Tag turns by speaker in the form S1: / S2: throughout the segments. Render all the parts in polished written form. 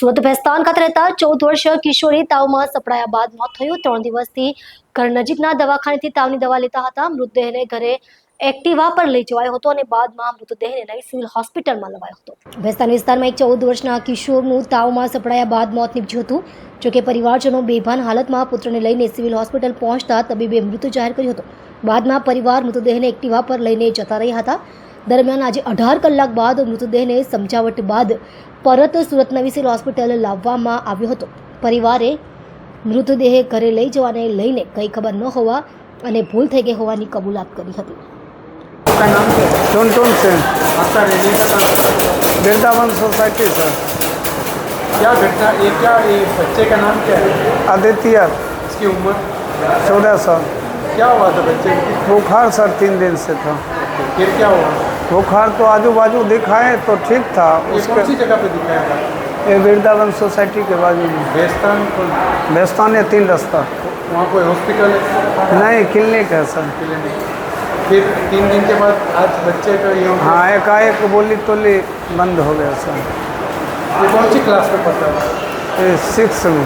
S1: સુરત ભેસ્તાન ખાતે રહેતા 14 વર્ષીય કિશોરી તાવમાં સપડાયા બાદ મોત થયું। 3 દિવસથી ઘર નજીકના દવાખાનેથી તાવની દવા લેતા હતા। મૃતદેહને ઘરે એક્ટિવા પર લઈ જવાયો હતો અને બાદમાં મૃતદેહને લઈ સિવિલ હોસ્પિટલમાં લવાયો હતો। ભેસ્તાન વિસ્તારમાં એક 14 વર્ષના કિશોરનું તાવમાં સપડાયા બાદ મોત નીપજ્યું હતું। જોકે પરિવારજનો બેભાન હાલતમાં પુત્રને લઈને સિવિલ હોસ્પિટલ પહોંચતા તબીબે મૃત જાહેર કર્યો હતો। બાદમાં પરિવાર મૃતદેહને એક્ટિવા પર લઈને જતા રહ્યા હતા। દરમિયાન આજે 18 કલાક બાદ મૃતદેહને સમજાવટ બાદ પરત સુરત નવી સિવિલ હોસ્પિટલ લાવવામાં આવ્યો હતો। પરિવારે મૃતદેહ ઘરે લઈ જવાને લઈને કંઈ ખબર ન હોવા અને ભૂલ થઈ ગઈ હોવાની કબૂલાત કરી હતી।
S2: आपका नाम क्या है?
S3: टुनटुन सिंह,
S2: आपका रहने का नाम?
S3: Vrindavan society sir.
S2: क्या घटना ये बच्चे का नाम क्या है?
S3: आदित्य,
S2: इसकी उम्र?
S3: 14 साल।
S2: क्या हुआ था बच्चे को?
S3: बुखार सर 3 दिन से था।
S2: फिर क्या हुआ?
S3: बुखार तो आजू बाजू दिखाए तो ठीक था।
S2: ये कौन सी जगह पे दिखाया था?
S3: ये वृंदावन सोसाइटी के बाजू में
S2: बेस्तान
S3: भैस्तान है 3 रास्ता।
S2: वहाँ कोई हॉस्पिटल है?
S3: नहीं, क्लिनिक है सर।
S2: क्लिनिक। फिर 3 दिन के बाद आज बच्चे का ये
S3: हाँ, एकाएक बोली तोली बंद हो गया सर।
S2: ये कौन सी क्लास में पढ़ता है?
S3: ये 6 में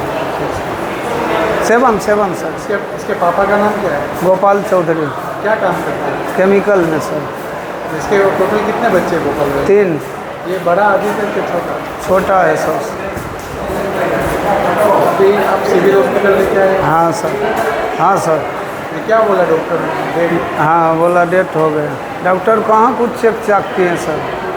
S3: 7 सर।
S2: इसके पापा का नाम क्या है?
S3: गोपाल चौधरी,
S2: क्या काम करते हैं?
S3: केमिकल में सर।
S2: इसके टोटल कितने बच्चे गोपाल में?
S3: 3,
S2: ये बड़ा आदित्य के छोटा?
S3: छोटा है सर।
S2: अभी आप सिविल हॉस्पिटल लेके आए?
S3: हाँ सर, हाँ सर।
S2: ये क्या बोला डॉक्टर ने?
S3: हाँ, बोला डेथ हो गया। डॉक्टर कहाँ कुछ चेक चाक किए सर।